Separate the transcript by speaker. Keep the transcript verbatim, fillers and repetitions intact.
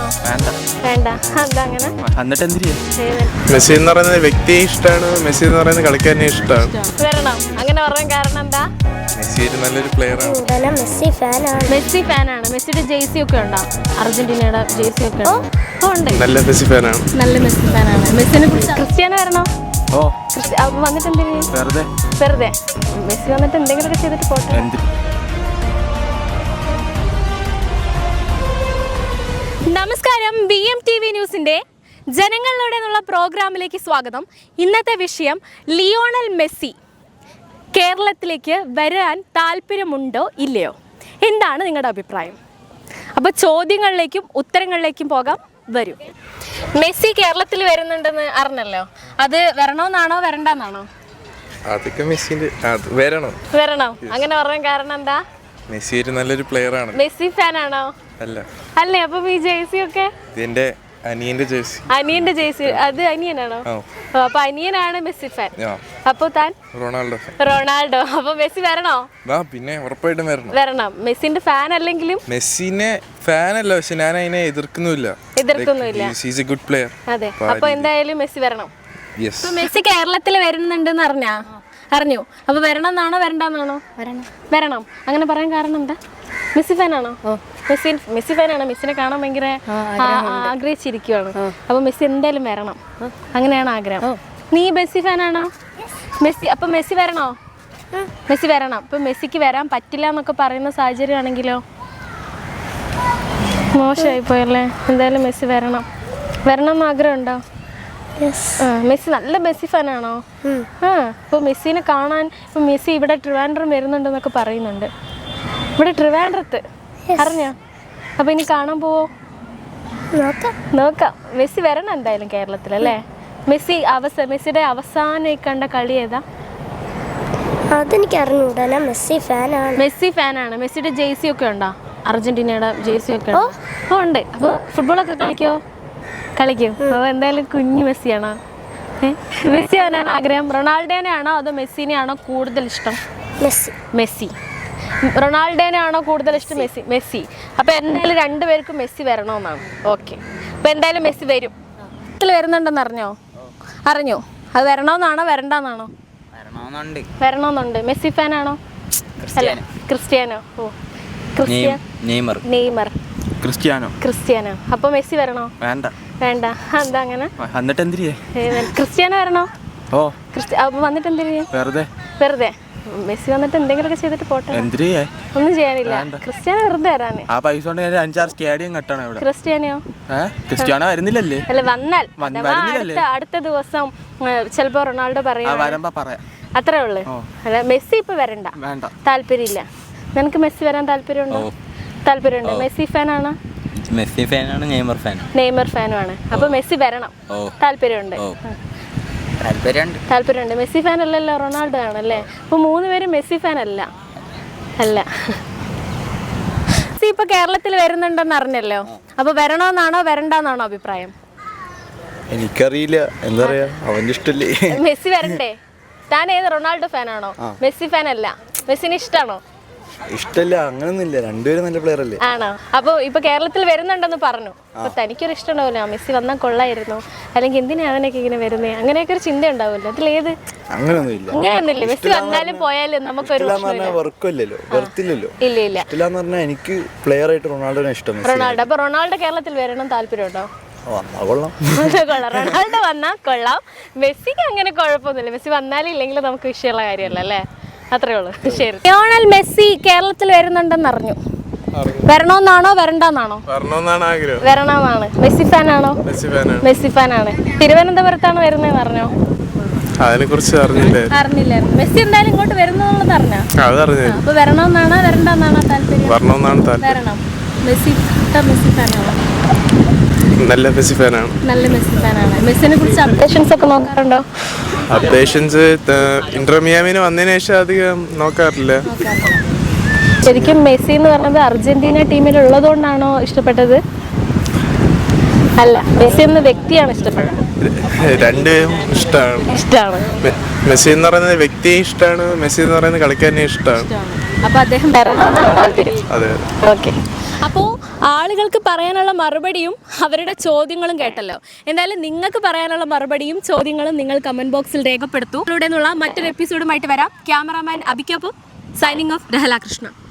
Speaker 1: വേണ്ട
Speaker 2: വേണ്ട എന്താ അങ്ങനെ?
Speaker 1: എന്നിട്ട് എന്തിനാ?
Speaker 3: മെസ്സി എന്ന് പറയുന്ന വ്യക്തിയെ ഇഷ്ടമാണ്, മെസ്സി എന്ന് പറയുന്ന കളിക്കാരനെ ഇഷ്ടമാണ്.
Speaker 2: വരണം അങ്ങനെ പറയാൻ കാരണം എന്താ?
Speaker 3: മെസ്സി ഒരു നല്ലൊരു പ്ലെയർ ആണ്.
Speaker 2: മെസ്സി ഫാനാണ്. മെസ്സി ഫാനാണ്. മെസ്സിയുടെ ജേഴ്സി ഒക്കെ ഉണ്ടോ? അർജന്റീനയുടെ ജേഴ്സി ഒക്കെ ഉണ്ട്.
Speaker 3: നല്ല മെസ്സി ഫാനാണ്.
Speaker 2: നല്ല മെസ്സി ഫാനാണ്. മെസ്സിനെ കുറിച്ച് ക്രിസ്ത്യാനോ വരണോ?
Speaker 1: ഓ
Speaker 2: വന്നിട്ട് എന്തിനാ?
Speaker 1: വെറുതെ
Speaker 2: വെറുതെ മെസ്സി വന്നിട്ട് എന്തെങ്കിലുമൊക്കെ ചെയ്തിട്ട് പോട്ടെ. നമസ്കാരം, ബി എം ടി വി ന്യൂസിൻ്റെ ജനങ്ങളിലൂടെ എന്നുള്ള പ്രോഗ്രാമിലേക്ക് സ്വാഗതം. ഇന്നത്തെ വിഷയം ലിയോണൽ മെസ്സി കേരളത്തിലേക്ക് വരാൻ താല്പര്യമുണ്ടോ ഇല്ലയോ, എന്താണ് നിങ്ങളുടെ അഭിപ്രായം? അപ്പോൾ ചോദ്യങ്ങളിലേക്കും ഉത്തരങ്ങളിലേക്കും പോകാം. വരൂ. മെസ്സി കേരളത്തിൽ വരുന്നുണ്ടെന്ന് അറിഞ്ഞല്ലോ, അത് വരണമെന്നാണോ വരണ്ടെന്നാണോ?
Speaker 3: അതൊക്കെ മെസ്സിന്റെ വരണം.
Speaker 2: വരണം അങ്ങനെ പറയാൻ കാരണം എന്താ?
Speaker 3: മെസ്സി ഒരു നല്ലൊരു പ്ലെയർ ആണ്.
Speaker 2: മെസ്സി ഫാനാണോ?
Speaker 3: അല്ല.
Speaker 2: അല്ലേ? അപ്പൊ ഈ ജേഴ്സി ഒക്കെ
Speaker 3: ഇതിന്റെ അനിയന്റെ ജേഴ്സി.
Speaker 2: അനിയന്റെ ജേഴ്സി അത് അനിയനാണോ? അപ്പൊ അനിയനാണ് മെസ്സി ഫാൻ. അപ്പൊ താൻ
Speaker 3: റൊണാൾഡോ ഫാൻ.
Speaker 2: റൊണാൾഡോ. അപ്പൊ മെസ്സി വരണോ?
Speaker 3: പിന്നെ ഉറപ്പായിട്ടും വരണം.
Speaker 2: വരണം. മെസ്സിന്റെ ഫാൻ അല്ലെങ്കിലും
Speaker 3: മെസ്സിനെ ഫാൻ അല്ല, പക്ഷെ ഞാൻ അതിനെ എതിർക്കുന്നില്ല.
Speaker 2: എതിർക്കുന്നില്ല.
Speaker 3: He's a good player.
Speaker 2: അതെ. അപ്പൊ എന്തായാലും മെസ്സി വരണം.
Speaker 3: യെസ്.
Speaker 2: മെസ്സി കേരളത്തിൽ വരുന്നുണ്ടെന്ന് അറിഞ്ഞാ? അറിഞ്ഞു. അപ്പൊ വരണം എന്നാണോ വരണ്ടെന്നാണോ? വരണം. വരണം അങ്ങനെ പറയാൻ കാരണം എന്താ? മെസ്സി ഫാനാണോ? മെസ്സി മെസ്സി ഫാനാണ്. മെസ്സിനെ കാണാൻ ഭയങ്കര ആഗ്രഹിച്ചിരിക്കുവാണ്. അപ്പൊ മെസ്സി എന്തായാലും വരണം, അങ്ങനെയാണ് ആഗ്രഹം. നീ മെസ്സി ഫാനാണോ? മെസ്സി അപ്പൊ മെസ്സി വരണോ? മെസ്സി വരണം. അപ്പൊ മെസ്സിക്ക് വരാൻ പറ്റില്ല എന്നൊക്കെ പറയുന്ന സാഹചര്യം ആണെങ്കിലോ? മോശമായി പോയല്ലേ. എന്തായാലും മെസ്സി വരണം. വരണം എന്ന് ആഗ്രഹം ഉണ്ടോ? മെസ്സി നല്ല മെസ്സി ഫാനാണോ? ആ. അപ്പോൾ മെസ്സിനെ കാണാൻ ഇപ്പം മെസ്സി ഇവിടെ ട്രിവാൻഡ്രം വരുന്നുണ്ടെന്നൊക്കെ പറയുന്നുണ്ട്. ഇവിടെ ട്രിവാൻഡ്രത്ത് അറിഞ്ഞോ? അപ്പോൾ ഇനി കാണാൻ പോവോ? നോക്കാം നോക്കാം മെസ്സി വരണം എന്തായാലും കേരളത്തിലല്ലേ. മെസ്സി അവസ മെസ്സിയുടെ അവസാനം കണ്ട കളി ഏതാ?
Speaker 4: അതെനിക്ക് അറിഞ്ഞൂടാ. മെസ്സി ഫാനാണ്.
Speaker 2: മെസ്സി ഫാനാണ്. മെസ്സിയുടെ ജേഴ്സി ഒക്കെ ഉണ്ടോ? അർജന്റീനയുടെ ജേഴ്സി ഒക്കെ ഉണ്ടോ? ഓ ഉണ്ട്. അപ്പോൾ ഫുട്ബോളൊക്കെ കളിക്കോ? കളിക്കും. അപ്പോൾ എന്തായാലും കുഞ്ഞു മെസ്സിയാണോ? മെസ്സി ആവാനാണ് ആഗ്രഹം? റൊണാൾഡോനെ ആണോ അതോ മെസ്സിനെ ആണോ കൂടുതൽ ഇഷ്ടം?
Speaker 4: മെസ്സി.
Speaker 2: മെസ്സി. റൊണാൾഡോനെ ആണോ കൂടുതൽ ഇഷ്ടം? മെസ്സി. മെസ്സി. അപ്പോൾ എന്തായാലും രണ്ടുപേർക്കും മെസ്സി വരണമെന്നാണ്. ഓക്കെ. അപ്പോൾ എന്തായാലും മെസ്സി വരും. ഇതിൽ വരുന്നുണ്ടെന്ന് അറിഞ്ഞോ? അറിഞ്ഞു. അത് വരണമെന്നാണോ വരണ്ടെന്നാണോ? വരണമെന്നുണ്ട്. മെസ്സി ഫാനാണോ? അല്ല, ക്രിസ്ത്യാനോ. ഓ Cristiano.
Speaker 1: Neymar.
Speaker 2: Neymar.
Speaker 1: Cristiano.
Speaker 2: Cristiano. അപ്പോൾ മെസ്സി വരണോ?
Speaker 1: വേണ്ട.
Speaker 2: വേണ്ട എന്താ അങ്ങനെ?
Speaker 1: എന്നിട്ട് എന്തിനാ?
Speaker 2: ക്രിസ്ത്യാനോ വരണോ?
Speaker 1: ഓ
Speaker 2: അപ്പൊ വന്നിട്ട് എന്തിനാ?
Speaker 1: വെറുതെ
Speaker 2: വെറുതെ മെസ്സി വന്നിട്ട് എന്തെങ്കിലുമൊക്കെ ചെയ്തിട്ട് പോട്ടെ.
Speaker 1: എന്തിനാ?
Speaker 2: ഒന്നും ചെയ്യാനില്ല. ക്രിസ്ത്യാനോ വെറുതെ വരാന്.
Speaker 1: ആ പൈസ കൊണ്ട് ഞാൻ അഞ്ചാറ് സ്റ്റേഡിയം കെട്ടണം ഇവിടെ.
Speaker 2: ക്രിസ്ത്യാനോ?
Speaker 1: ക്രിസ്ത്യാനോ വരുന്നില്ലല്ലേ?
Speaker 2: അല്ല വന്നാൽ അടുത്ത അടുത്ത ദിവസം ചിലപ്പോ റൊണാൾഡോ പറയാം. അത്രേ ഉള്ളു. അല്ല മെസ്സി ഇപ്പൊ വരണ്ട. താല്പര്യമില്ല. നിനക്ക് മെസ്സി വരാൻ താല്പര്യമുണ്ടോ? താല്പര്യമുണ്ട്. മെസ്സി ഫാനാണ്?
Speaker 1: മെസ്സി ഫാനാണ്. Neymar fan.
Speaker 2: നെയ്മർ ഫാനുമാണ്. അപ്പൊ മെസ്സി വരണം. താല്പര്യമുണ്ട്. താല്പര്യമുണ്ട്. മെസ്സി ഫാൻ അല്ലല്ലോ, റൊണാൾഡോ ആണല്ലേ. അപ്പൊ മൂന്ന് പേരും മെസ്സി ഫാൻ അല്ല. അല്ല. മെസ്സി ഇപ്പൊ കേരളത്തിൽ വരുന്നുണ്ടെന്ന് അറിഞ്ഞല്ലോ, അപ്പൊ വരണമെന്നാണോ വരണ്ടെന്നാണോ അഭിപ്രായം?
Speaker 3: എനിക്കറിയില്ല, എന്താ പറയാ, അവന്റെ ഇഷ്ടല്ലേ.
Speaker 2: മെസ്സി വരണ്ടേ? താൻ ഏത് റൊണാൾഡോ ഫാനാണോ? മെസ്സി ഫാൻ അല്ല. മെസ്സിനെ ഇഷ്ടമാണോ?
Speaker 3: ഇഷ്ടല്ല, അങ്ങനൊന്നുമില്ല. രണ്ടുപേരും നല്ല പ്ലെയർ അല്ലേ.
Speaker 2: ആണോ? അപ്പൊ ഇപ്പൊ കേരളത്തിൽ വരുന്നുണ്ടെന്ന് പറഞ്ഞു. അപ്പൊ തനിക്കൊരു ഇഷ്ടം ഉണ്ടാവില്ല, മെസ്സി വന്നാൽ കൊള്ളായിരുന്നു, അല്ലെങ്കിൽ എന്തിനാ അവനൊക്കെ ഇങ്ങനെ വരുന്നേ, അങ്ങനെയൊക്കെ ഒരു ചിന്ത ഉണ്ടാവില്ല. അതിലേത്?
Speaker 3: അങ്ങനൊന്നുമില്ല.
Speaker 2: അങ്ങനെയൊന്നുമില്ല. മെസ്സി വന്നാലും പോയാലും നമുക്കൊരു ഇല്ല ഇല്ല.
Speaker 3: എനിക്ക് പ്ലെയർ ആയിട്ട് റൊണാൾഡോനെ ഇഷ്ടം.
Speaker 2: റൊണാൾഡോ. അപ്പൊ റൊണാൾഡോ കേരളത്തിൽ വരണം താല്പര്യമുണ്ടോ?
Speaker 3: കൊള്ളാം.
Speaker 2: റൊണാൾഡോ വന്നാൽ കൊള്ളാം. മെസ്സിക്ക് അങ്ങനെ കുഴപ്പമൊന്നുമില്ല. മെസ്സി വന്നാലും ഇല്ലെങ്കിലും നമുക്ക് വിഷയമുള്ള കാര്യമല്ല അല്ലേ. അത്രേ ഉള്ളൂ. ശരി. ലിയോണൽ മെസ്സി കേരളത്തിൽ വരുന്നുണ്ടെന്ന് അറിഞ്ഞു. വരണമെന്നാണോ വരണ്ടെന്നാണോ? വരണമെന്നാണ്. മെസ്സി ഫാനാണോ? മെസ്സി ഫാനാണ്. തിരുവനന്തപുരത്താണ് വരുന്നതെന്ന് അറിഞ്ഞോ?
Speaker 3: അതിനെ കുറിച്ച്
Speaker 2: അറിഞ്ഞില്ലായിരുന്നു. മെസ്സി എന്തായാലും ഇങ്ങോട്ട് വരുന്നുള്ളത് അറിഞ്ഞോ? അപ്പൊ വരണമെന്നാണോ വരണ്ടെന്നാണോ താല്പര്യം? വരണം. മെസ്സി മെസ്സി ഫാനാണോ?
Speaker 3: നല്ല മെസ്സി ഫാനാണ്.
Speaker 2: നല്ല മെസ്സി ഫാനാണ്. മെസ്സിനെ കുറിച്ച് അപ്ഡേഷൻസ് ഒക്കെ നോക്കാറുണ്ടോ?
Speaker 3: അപ്ഡേഷൻസ് ഇന്റർ മിയാമിന് വന്നതിന് ശേഷം അധികം നോക്കാറില്ല.
Speaker 2: ശരിക്കും മെസ്സി എന്ന് പറഞ്ഞത് അർജന്റീന ടീമിൽ ഉള്ളതുകൊണ്ടാണോ ഇഷ്ടപ്പെട്ടത്? അല്ല, മെസ്സി എന്ന വ്യക്തിയാണ് ഇഷ്ടപ്പെട്ടത്.
Speaker 3: രണ്ടും ഇഷ്ടമാണ്.
Speaker 2: ഇഷ്ടമാണ്.
Speaker 3: മെസ്സി എന്ന് പറയുന്ന വ്യക്തിയെ ഇഷ്ടമാണ്, മെസ്സി എന്ന് പറയുന്ന കളിക്കാരനെ ഇഷ്ടമാണ്.
Speaker 2: അപ്പൊ അദ്ദേഹം
Speaker 3: അതെ.
Speaker 2: ഓക്കെ. അപ്പോൾ ആളുകൾക്ക് പറയാനുള്ള മറുപടിയും അവരുടെ ചോദ്യങ്ങളും കേട്ടല്ലോ. എന്തായാലും നിങ്ങൾക്ക് പറയാനുള്ള മറുപടിയും ചോദ്യങ്ങളും നിങ്ങൾ കമൻറ്റ് ബോക്സിൽ രേഖപ്പെടുത്തൂ. ഇവിടെ നിന്നുള്ള മറ്റൊരു എപ്പിസോഡുമായിട്ട് വരാം. ക്യാമറാമാൻ അബിക്കൊപ്പം സൈനിങ് ഓഫ് രഹല കൃഷ്ണ.